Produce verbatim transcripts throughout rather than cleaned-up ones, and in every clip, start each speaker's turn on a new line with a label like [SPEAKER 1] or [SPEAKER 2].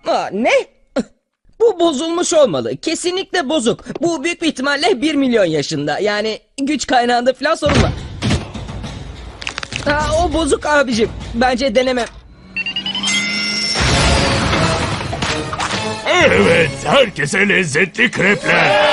[SPEAKER 1] Aa, ne? Bu bozulmuş olmalı. Kesinlikle bozuk. Bu büyük bir ihtimalle bir milyon yaşında. Yani güç kaynağında falan sorun var. Aa, o bozuk abicim. Bence denemem.
[SPEAKER 2] Evet, herkese lezzetli krepler.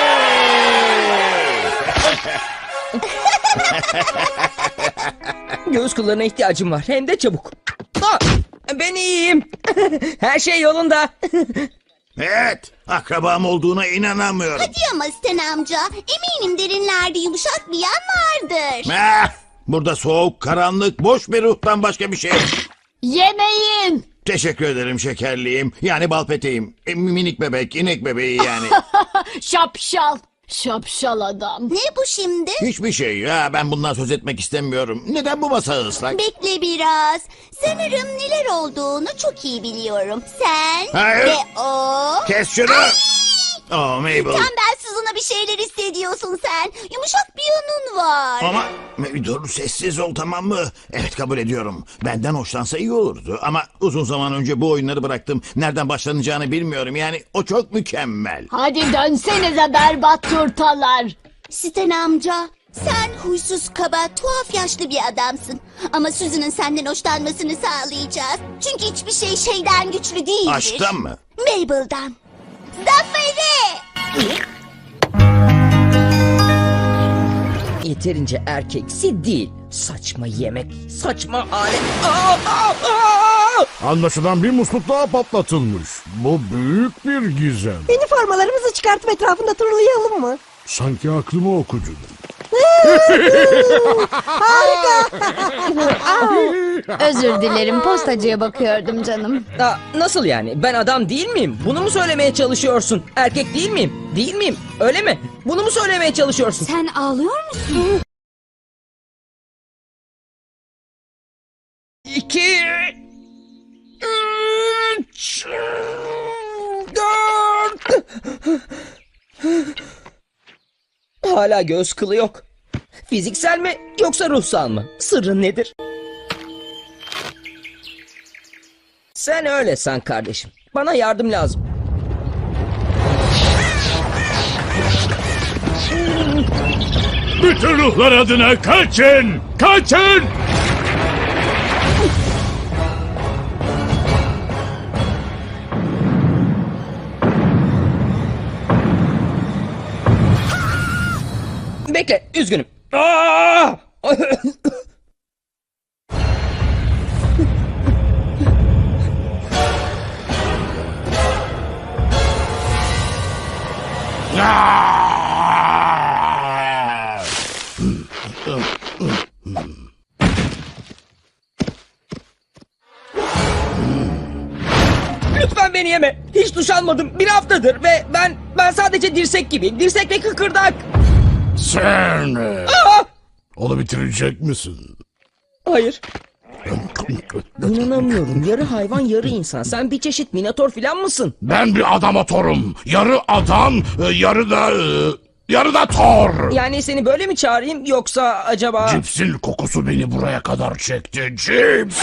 [SPEAKER 1] Göğüs kıllarına ihtiyacım var. Hem de çabuk. Aa, ben iyiyim. Her şey yolunda.
[SPEAKER 3] Evet, akrabam olduğuna inanamıyorum.
[SPEAKER 4] Hadi ama Sten amca. Eminim derinlerde yumuşak bir yan vardır.
[SPEAKER 3] Ah, burada soğuk, karanlık, boş bir ruhtan başka bir şey yok.
[SPEAKER 5] Yemeyin.
[SPEAKER 3] Teşekkür ederim şekerliğim. Yani bal peteğim. E, minik bebek, inek bebeği yani.
[SPEAKER 5] Şapşal. Şapşal adam.
[SPEAKER 4] Ne bu şimdi?
[SPEAKER 3] Hiçbir şey ya, ben bundan söz etmek istemiyorum. Neden bu masa ıslak?
[SPEAKER 4] Bekle biraz. Sanırım neler olduğunu çok iyi biliyorum. Sen
[SPEAKER 3] Hayır.
[SPEAKER 4] ve o...
[SPEAKER 3] Kes şunu. Oh Mabel.
[SPEAKER 4] Tembelsiz ona bir şeyler hissediyorsun sen. Yumuşak bir yanın var.
[SPEAKER 3] Ama dur, sessiz ol, tamam mı? Evet, kabul ediyorum. Benden hoşlansa iyi olurdu. Ama uzun zaman önce bu oyunları bıraktım. Nereden başlanacağını bilmiyorum. Yani o çok mükemmel.
[SPEAKER 5] Hadi dönsenize berbat turtalar.
[SPEAKER 4] Sten amca, sen huysuz, kaba, tuhaf yaşlı bir adamsın. Ama Susan'ın senden hoşlanmasını sağlayacağız. Çünkü hiçbir şey şeyden güçlü değildir.
[SPEAKER 3] Aşktan mı?
[SPEAKER 4] Mabel'dan. Zaferi!
[SPEAKER 1] Yeterince erkeksi değil. Saçma yemek, saçma alet. Aa, aa, aa!
[SPEAKER 2] Anlaşılan bir musluk daha patlatılmış. Bu büyük bir gizem.
[SPEAKER 6] Üniformalarımızı çıkartıp etrafında turlayalım mı?
[SPEAKER 2] Sanki aklımı okudun.
[SPEAKER 7] Özür dilerim, postacıya bakıyordum canım.
[SPEAKER 1] Aa, nasıl yani? Ben adam değil miyim? Bunu mu söylemeye çalışıyorsun? Erkek değil miyim? Değil miyim? Öyle mi? Bunu mu söylemeye çalışıyorsun?
[SPEAKER 7] Sen ağlıyor musun?
[SPEAKER 1] İki... Üç... Dört... Hala göz kılı yok. Fiziksel mi yoksa ruhsal mı? Sırrın nedir? Sen öyle san kardeşim. Bana yardım lazım.
[SPEAKER 2] Bütün ruhlar adına kaçın! Kaçın!
[SPEAKER 1] Bekle, üzgünüm. Aa! Lütfen beni yeme. Hiç duş almadım. Bir haftadır ve ben ben sadece dirsek gibiyim. Dirsek ve kıkırdak.
[SPEAKER 2] Sen
[SPEAKER 1] Aa!
[SPEAKER 2] onu bitirecek misin?
[SPEAKER 1] Hayır. İnanamıyorum. Yarı hayvan, yarı insan. Sen bir çeşit minotor filan mısın?
[SPEAKER 2] Ben bir adamatorum. Yarı adam, yarı da... Yarı da Thor.
[SPEAKER 1] Yani seni böyle mi çağırayım yoksa acaba...
[SPEAKER 2] Cipsin kokusu beni buraya kadar çekti. Cips.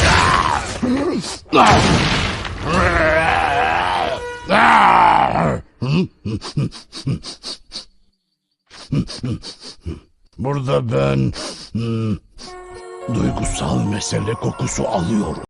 [SPEAKER 2] Burada ben hmm, duygusal mesele kokusu alıyorum.